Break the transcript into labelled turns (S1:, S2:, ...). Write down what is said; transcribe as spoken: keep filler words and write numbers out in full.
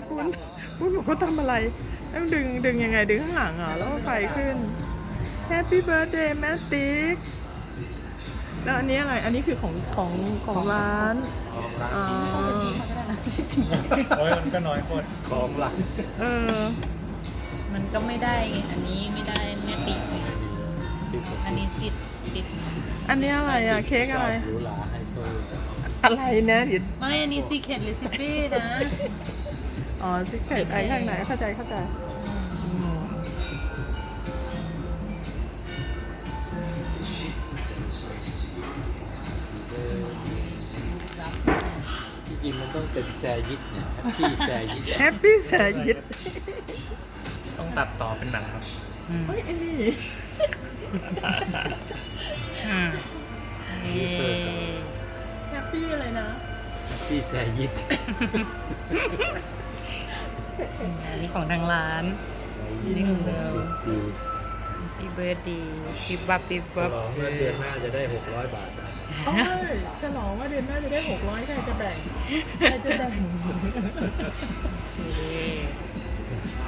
S1: ปุ้นปุ้นบอกเขาทำอะไรต้องดึงดึงยังไงดึงข้างหลังเหรอแล้วก็ไฟขึ้น Happy Birthday แม่ติ๊กแล้วอันนี้อะไรอันนี้คือของของของร้าน
S2: ของร้าน
S1: อ๋อ
S2: โอ้ยมันก็น้อยคนของร้าน
S1: เออ
S3: มันก็ไม่ได้ไงอันนี้ไม่ได้แม่ติดไงอันนี้ติดติด
S1: อันนี้อะไรอ่ะเค้กอะไร
S2: หรูหราไฮโซ
S1: อะไรนะเดี๋ยว
S3: ไม่อันนี้ซีเคทเรซิปี้นะ
S1: อ๋อซิกเก็ตไอ้ข้างไหนเข้าใจเข้าใจอืม
S2: ที่จริงมันต้องเป็นแซยิดเนี่ยแฮปปี้แซยิด
S1: แฮปปี้แสยิด
S2: ต้องตัดต่อเป็นหนังครับ
S1: เฮ้ยไอ้นี่
S3: อืมนี่
S1: แฮปปี้อะไรนะ
S2: แฮปปี้แซยิด
S3: อันนี้ของทางร้าน นี่ของเรา
S2: ดี
S3: ปีเบิร์ดดีปีบับปี
S2: ฉ
S3: บับ
S2: ลองว่าเดือนหน้าจะได้หกร้อยบาทนะ
S1: โอ้ยฉลองว่าเดือนหน้าจะได้หกร้อยใครจะแบ่งใครจะแบ่ง